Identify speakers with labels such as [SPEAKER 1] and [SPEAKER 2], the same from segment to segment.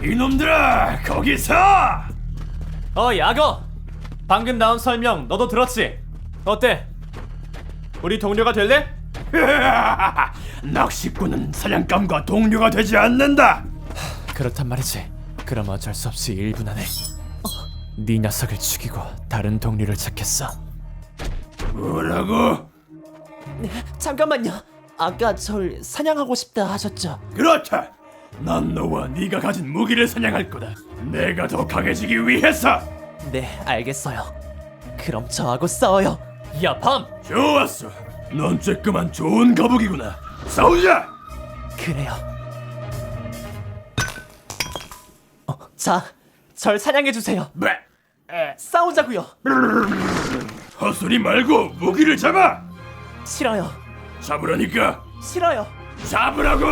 [SPEAKER 1] 이놈들아, 거기서!
[SPEAKER 2] 야거! 방금 나온 설명 너도 들었지? 어때? 우리 동료가 될래?
[SPEAKER 1] 낚시꾼은 사냥감과 동료가 되지 않는다.
[SPEAKER 2] 그렇단 말이지. 그럼 어쩔 수 없이 1분 안에 네 녀석을 죽이고 다른 동료를 찾겠어.
[SPEAKER 1] 뭐라고?
[SPEAKER 3] 잠깐만요. 아까 절 사냥하고 싶다 하셨죠?
[SPEAKER 1] 그렇다. 난 너와 네가 가진 무기를 사냥할 거다. 내가 더 강해지기 위해서.
[SPEAKER 3] 네, 알겠어요. 그럼 저하고 싸워요.
[SPEAKER 2] 야, 밤!
[SPEAKER 1] 좋았어. 넌 쬐끄만 좋은 거북이구나. 싸우자.
[SPEAKER 3] 그래요. 자, 절 사냥해주세요.
[SPEAKER 1] 네.
[SPEAKER 3] 싸우자고요.
[SPEAKER 1] 헛소리 말고 무기를 잡아.
[SPEAKER 3] 싫어요.
[SPEAKER 1] 잡으라니까.
[SPEAKER 3] 싫어요.
[SPEAKER 1] 잡으라고.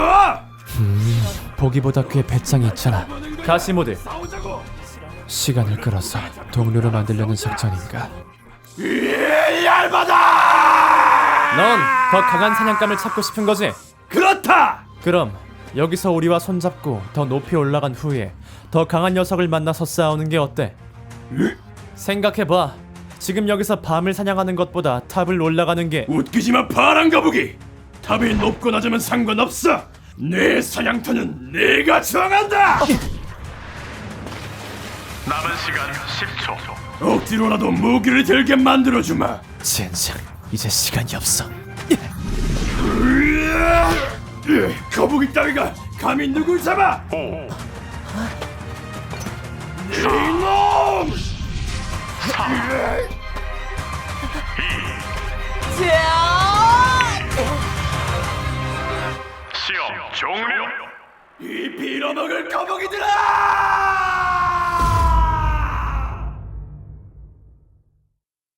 [SPEAKER 2] 보기보다 꽤 배짱이 있잖아. 가시모드.
[SPEAKER 1] 싸우자고.
[SPEAKER 2] 시간을 끌어서 동료를 만들려는 작전인가?
[SPEAKER 1] 얇아다.
[SPEAKER 2] 넌 더 강한 사냥감을 찾고 싶은 거지?
[SPEAKER 1] 그렇다.
[SPEAKER 2] 그럼 여기서 우리와 손잡고 더 높이 올라간 후에 더 강한 녀석을 만나서 싸우는 게 어때? 생각해봐. 지금 여기서 밤을 사냥하는 것보다 탑을 올라가는 게
[SPEAKER 1] 웃기지마 파란 거북이. 탑이 높고 낮으면 상관없어. 내 사냥터는 내가 정한다.
[SPEAKER 4] 남은 시간 10초.
[SPEAKER 1] 억지로라도 무기를 들게 만들어주마.
[SPEAKER 2] 젠장, 이제 시간이 없어.
[SPEAKER 1] 거북이 따위가 감히 누굴 잡아?
[SPEAKER 4] 5,
[SPEAKER 1] 이놈!
[SPEAKER 4] 시험 종료.
[SPEAKER 1] 이 빌어먹을 거북이들아!